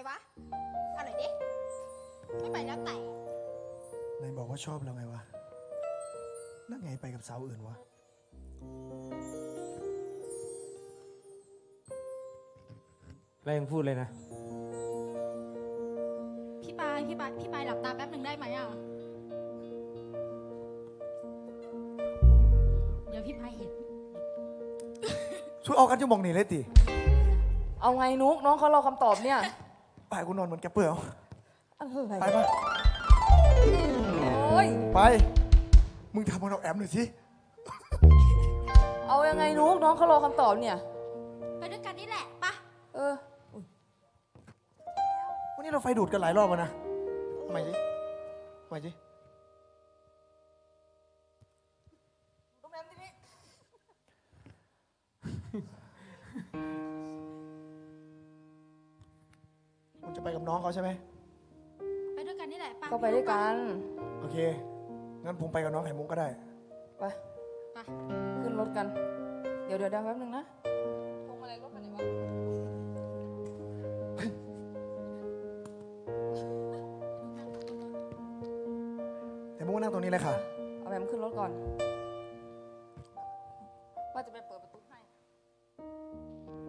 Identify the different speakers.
Speaker 1: วะเอาหน่อยดิไม่ไปแล้วแต่
Speaker 2: นายบอกว่าชอบเราไงวะนั่นไงไปกับสาวอื่นวะ
Speaker 3: แรงพูดเลยนะ
Speaker 1: พี่ปายหลับตาแป๊บหนึ่งได้ไหมอ่ะเดี๋ยวพี่ปายเห็น
Speaker 2: ช่วยเอากันจะมองหนีเลยติ
Speaker 4: เอาไงนุกน้องเขารอคำตอบเนี่ย
Speaker 2: ไปกูนอนเหมือนแกเปลือก
Speaker 4: อะไร
Speaker 2: ไปปะ
Speaker 4: โอ้ย
Speaker 2: ไปมึงทำมันเอาแอมหน่อยสิ
Speaker 4: เอายังไงนุกน้องเขารอคำตอบเนี่ย
Speaker 1: ไปด้วยกันนี่แหละปะ
Speaker 4: เออ
Speaker 2: วันนี้เราไฟดูดกันหลายรอบแล้วนะทำไมสิทำไมสิคุณจะไปกับน้องเขาใช่ไหม
Speaker 1: ไปด้วยกันนี่แหละปะ
Speaker 4: ก็ไปด้วยกัน
Speaker 2: โอเคงั้นผมไปกับน้องไข่มุกก็ได้
Speaker 4: ไป
Speaker 1: ไป
Speaker 4: ขึ้นรถกัน เดี๋ยวแป๊บนึงนะพวงมาลัยรถคันไหนวะ
Speaker 2: ไข่มุกนั่งตรงนี้เลยค่ะ
Speaker 4: เอาแบบขึ้นรถก่อนว่าจะไปเปิดประตูให้